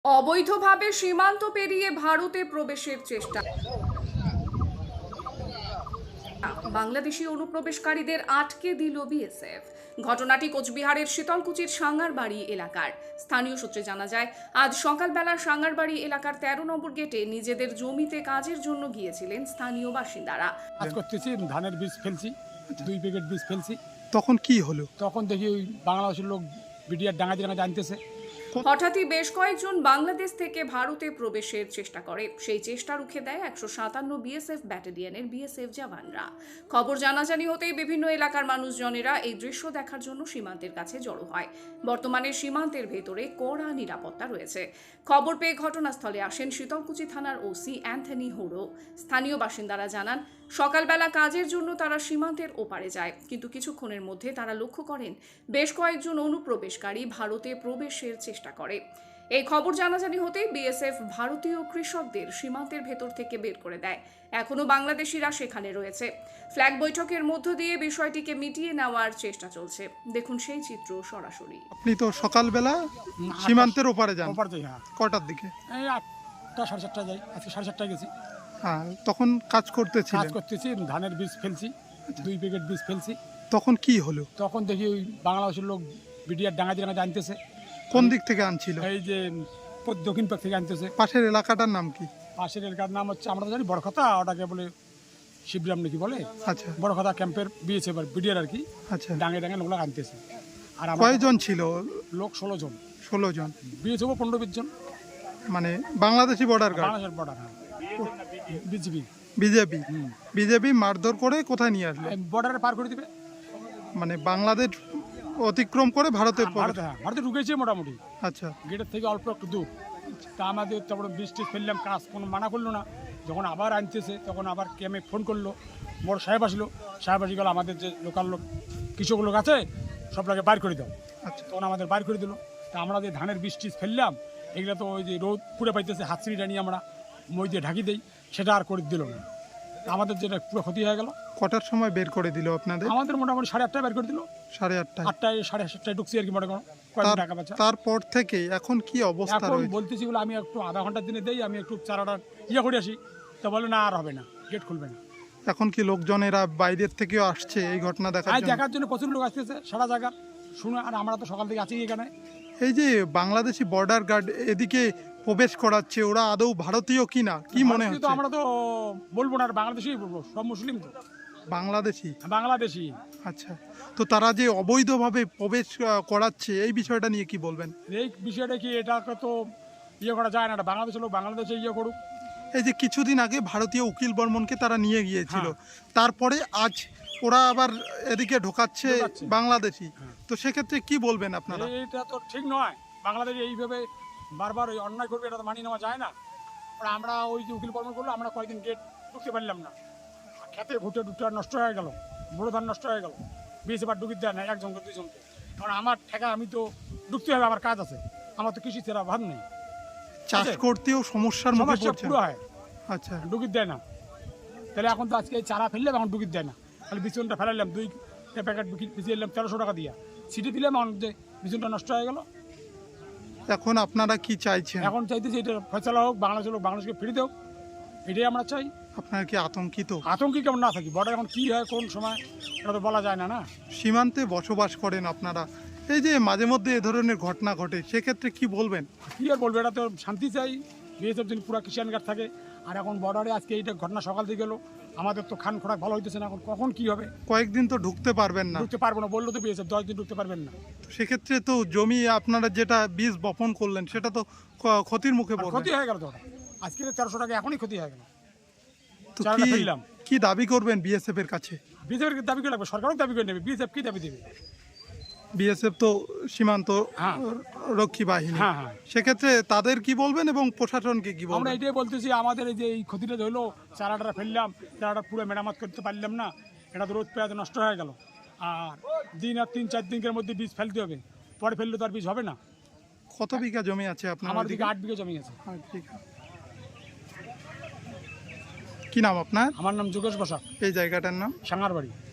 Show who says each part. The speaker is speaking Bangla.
Speaker 1: অবৈধভাবে সীমান্ত পেরিয়ে ভারতে প্রবেশের চেষ্টা। বাংলাদেশি অনুপ্রবেশকারীদের আটকে দিল বিএসএফ। ঘটনাটি কোচবিহারের শীতলকুচির সাঙ্গারবাড়ি এলাকার। স্থানীয় সূত্রে জানা যায়, আজ সকালবেলা সাঙ্গারবাড়ি এলাকার 13 নম্বর গেটে নিজেদের জমিতে কাজের জন্য গিয়েছিলেন স্থানীয় বাসিন্দারা।
Speaker 2: কাজ করতেছি, ধানের বীজ ফেলছি, 2 প্যাকেট বীজ ফেলছি।
Speaker 3: তখন কি হলো?
Speaker 2: তখন দেখি ওই বাংলাদেশের লোক বিডিআর ডাঙাতি আনতেছে।
Speaker 1: হঠাৎই বেশ কয়েকজন বাংলাদেশ থেকে ভারতে প্রবেশের চেষ্টা করে। সেই চেষ্টা রুখে দেয় 157 বিএসএফ ব্যাটালিয়নের বিএসএফ জওয়ানরা। খবর জানাজানি হতেই বিভিন্ন এলাকার মানুষজনেরা এই দৃশ্য দেখার জন্য সীমান্তের কাছে জড়ো হয়। বর্তমানে সীমান্তের ভেতরে কড়া নিরাপত্তা রয়েছে। খবর পেয়ে ঘটনাস্থলে আসেন শীতলকুচি থানার ওসি অ্যান্থনি হোড়ো। স্থানীয় বাসিন্দারা জানান, সকালবেলা কাজের জন্য তারা সীমান্তের ওপারে যায়, কিন্তু কিছুক্ষণের মধ্যে তারা লক্ষ্য করেন বেশ কয়েকজন অনুপ্রবেশকারী ভারতে প্রবেশের চেষ্টা করে। এই খবর জানাজানি হতেই বিএসএফ ভারতীয় কৃষকদের সীমান্তের ভেতর থেকে বের করে দেয়। এখনো বাংলাদেশিরা সেখানে রয়েছে। ফ্ল্যাগ বৈঠকের মধ্য দিয়ে বিষয়টিকে মিটিয়ে নেওয়ার চেষ্টা চলছে। দেখুন সেই চিত্র সরাসরি।
Speaker 3: আপনি তো সকালবেলা সীমান্তের ওপারে যান,
Speaker 2: ওপার যাই। হ্যাঁ,
Speaker 3: কটার দিকে?
Speaker 2: এই 8টা 7:30 যাই। আজকে 7:30 গেছি।
Speaker 3: হ্যাঁ, তখন কাজ
Speaker 2: কাজ
Speaker 3: করতেছিলেন।
Speaker 2: করতেছি, ধানের বীজ ফেলছি, 2 প্যাকেট বীজ ফেলছি।
Speaker 3: তখন কি হলো?
Speaker 2: তখন দেখি ওই বাংলাদেশের লোক বিডিআর ডাঙাতি আনতেছে।
Speaker 3: কোন দিক থেকে আনছিল?
Speaker 2: এই যে দক্ষিণ পাক থেকে আনতেছে।
Speaker 3: পাশের এলাকাটার নাম কি?
Speaker 2: পাশের এলাকার নাম হচ্ছে, আমরা তো জানি বড় কথা, ওটাকে বলে শিবরাম নাকি বলে।
Speaker 3: আচ্ছা
Speaker 2: বড় কথা ক্যাম্পের বিয়েছে এবার বিডিআর আর কি।
Speaker 3: আচ্ছা,
Speaker 2: ডাঙে লোকগুলো আনতেছে। আর আমরা
Speaker 3: কয়জন ছিল?
Speaker 2: লোক 16 জন।
Speaker 3: 16 জন।
Speaker 2: বিয়েছে 15-20 জন।
Speaker 3: মানে বাংলাদেশি বর্ডার গার্ড,
Speaker 2: বাংলাদেশের বর্ডার। হ্যাঁ, বিজিবি।
Speaker 3: বিজেপি। বিজেপি মারধর করে কোথায় নিয়ে আসলো?
Speaker 2: বর্ডারে পার করে দিবে।
Speaker 3: মানে বাংলাদেশ অতিক্রম করে ভারতে
Speaker 2: ভারতে, হ্যাঁ, ভারতে ঢুকেছে মোটামুটি।
Speaker 3: আচ্ছা,
Speaker 2: গেটের থেকে অল্প একটু দূর। তা আমাদের তারপরে বৃষ্টি ফেললাম, কাজ কোনো মানা করলো না। যখন আবার আনতেছে তখন আবার ক্যামে ফোন করলো, বড় সাহেব আসলো। সাহেব আসি গেল, আমাদের যে লোকাল লোক কৃষক লোক আছে সবটাকে বাইর করে দাও।
Speaker 3: আচ্ছা।
Speaker 2: তখন আমাদের বাইর করে দিল। তা আমরা যে ধানের বৃষ্টি ফেললাম, এগুলো তো ওই যে রোদ পুড়ে পাইতেছে, হাতছিড়িটা নিয়ে আমরা মই দিয়ে ঢাকি দিই, সেটা আর করে দিল না। আমাদের যেটা পুরো ক্ষতি হয়ে গেল।
Speaker 3: কটার সময় বের করে দিল আপনাদের?
Speaker 2: আমাদের মোটামুটি 8:30 বের করে দিল।
Speaker 3: 8:30।
Speaker 2: 8টায় 7:30 ঢুকছি আর কি, মনে করো কয়েকদিন টাকা বাঁচা।
Speaker 3: তারপর থেকে এখন কি অবস্থা
Speaker 2: এখন
Speaker 3: রয়েছে?
Speaker 2: বলতেছি বলে আমি একটু আধা ঘন্টার দিনে দেই, আমি একটু চারাটা করে আসি। তা বলে না, আর হবে না, গেট খুলবে না।
Speaker 3: এখন কি লোকজনেরা বাইরের থেকেও আসছে এই ঘটনা দেখার জন্য?
Speaker 2: দেখার জন্য প্রচুর লোক আসতেছে সারা জায়গা শুনে। আর আমরা তো সকাল থেকে আছি এখানে।
Speaker 3: এই যে বাংলাদেশি বর্ডার গার্ড এদিকে প্রবেশ করাচ্ছে, ওরা আদৌ ভারতীয় কিনা কি মনে
Speaker 2: ভারতীয় তো
Speaker 3: হচ্ছে?
Speaker 2: আমরা তো বলবো না, আর বাংলাদেশি বলবো, সব মুসলিম তো।
Speaker 3: বাংলাদেশি।
Speaker 2: বাংলাদেশি।
Speaker 3: আচ্ছা, তো তারা যে অবৈধভাবে প্রবেশ করাচ্ছে এই বিষয়টা নিয়ে কি বলবেন?
Speaker 2: এই বিষয়টা কি, এটাকে তো করা যায় না। বাংলাদেশের লোক বাংলাদেশে করুক।
Speaker 3: এই যে কিছুদিন আগে ভারতীয় উকিল বর্মনকে তারা নিয়ে গিয়েছিল,
Speaker 2: হ্যাঁ।
Speaker 3: তারপরে আজ ওরা আবার এদিকে ঢোকাচ্ছে
Speaker 2: ঢোকাচ্ছে।
Speaker 3: বাংলাদেশি।
Speaker 2: হ্যাঁ।
Speaker 3: তো সেক্ষেত্রে কি বলবেন আপনারা?
Speaker 2: এটা তো ঠিক নয়। বাংলাদেশে এইভাবে বারবার ওই অন্যায় করবে, এটা তো মানিয়ে নেওয়া যায় না। আর আমরা ওই যে উকিল কর্ম করলো, আমরা কয়েকদিন গেট ঢুকতে পারলাম না। খেতে ভুটে টুটে নষ্ট হয়ে গেল, বড় ধান নষ্ট হয়ে গেল। বিএসএফ আর ঢুকিতে দেয় না, একজনকে 2জনকে। কারণ আমার ঠেকা, আমি তো ঢুকতে হবে, আমার কাজ আছে। আমার তো কৃষি ছাড়া ভাব নেই।
Speaker 3: চাষ করতেও সমস্যার মুখে
Speaker 2: সমস্যা
Speaker 3: পড়ছে।
Speaker 2: পুরো হয়,
Speaker 3: আচ্ছা,
Speaker 2: ঢুকিতে দেয় না। তাহলে এখন তো আজকে এই চারা ফেললাম, এখন ঢুকিতে দেয় না। তাহলে বিচুনটা ফেলাইলাম, 2 প্যাকেট বিছিয়ে এলাম 1300 টাকা দিয়া। সিটি দিলাম, এখন যে বিচুনটা নষ্ট হয়ে গেল।
Speaker 3: এখন আপনারা কি চাইছেন?
Speaker 2: এখন চাইতেছি এটা ফয়সালা হোক, বাংলাদেশের লোক বাংলাদেশকে ফিরে দেও, এটাই আমরা চাই।
Speaker 3: আপনারা কি আতঙ্কিত?
Speaker 2: আতঙ্কি কেমন না থাকি, বর্ডার এখন কি হয় কোন সময় এটা তো বলা যায় না। না,
Speaker 3: সীমান্তে বসবাস করেন আপনারা, এই যে মাঝে মধ্যে এ ধরনের ঘটনা ঘটে, সেক্ষেত্রে কি বলবেন?
Speaker 2: কি আর বলবো, এটা তো শান্তি চাই। বিএসএফ যদি পুরো কিষান গার্ড থাকে। আর এখন বর্ডারে আজকে এইটা ঘটনা সকাল থেকে গেলো, আমাদের তো খান খোরাক ভালো হইতেছে না। এখন কখন কি হবে,
Speaker 3: কয়েকদিন তো ঢুকতে পারবেন না।
Speaker 2: ঢুকতে পারবো না বললো তো বিএসএফ, 10 দিন ঢুকতে পারবেন না।
Speaker 3: সেক্ষেত্রে তো জমি আপনারা যেটা বীজ বপন করলেন সেটা তো ক্ষতির মুখে
Speaker 2: আর
Speaker 3: পড়বে।
Speaker 2: ক্ষতি হয়ে গেল তো ওটা। আজকে তো 1300 টাকা এখনই ক্ষতি হয়ে গেল।
Speaker 3: তো
Speaker 2: চারাটা ফেললাম।
Speaker 3: কি দাবি করবেন বিএসএফ এর কাছে?
Speaker 2: বিএসএফ দাবি করে লাগবে, সরকারও দাবি করে নেবে। বিএসএফ কি দাবি দেবে?
Speaker 3: বিএসএফ তো সীমান্ত
Speaker 2: হ্যাঁ।
Speaker 3: রক্ষী বাহিনী।
Speaker 2: হ্যাঁ, হ্যাঁ।
Speaker 3: সেক্ষেত্রে তাদের কি বলবেন এবং প্রশাসনকে কি
Speaker 2: আমরা
Speaker 3: বলবেন?
Speaker 2: এটাই বলতেছি, আমাদের এই যে এই ক্ষতিটা হলো, চারাটা ফেললাম, চারাটা পুরো মেরামত করতে পারলাম না। এটা তো রোদ পেঁয়াজ নষ্ট হয়ে গেল। আর দিন আর 3-4 দিনের মধ্যে বীজ ফেলতে হবে, পরে ফেললে তো আর বীজ হবে না।
Speaker 3: কত বিঘা জমি আছে আপনার?
Speaker 2: আমার দিকে 8 বিঘা জমি আছে।
Speaker 3: 8 বিঘা। কি নাম আপনার?
Speaker 2: আমার নাম যোগেশ বসাক,
Speaker 3: এই জায়গাটার নাম?
Speaker 2: সাঙ্গারবাড়ি।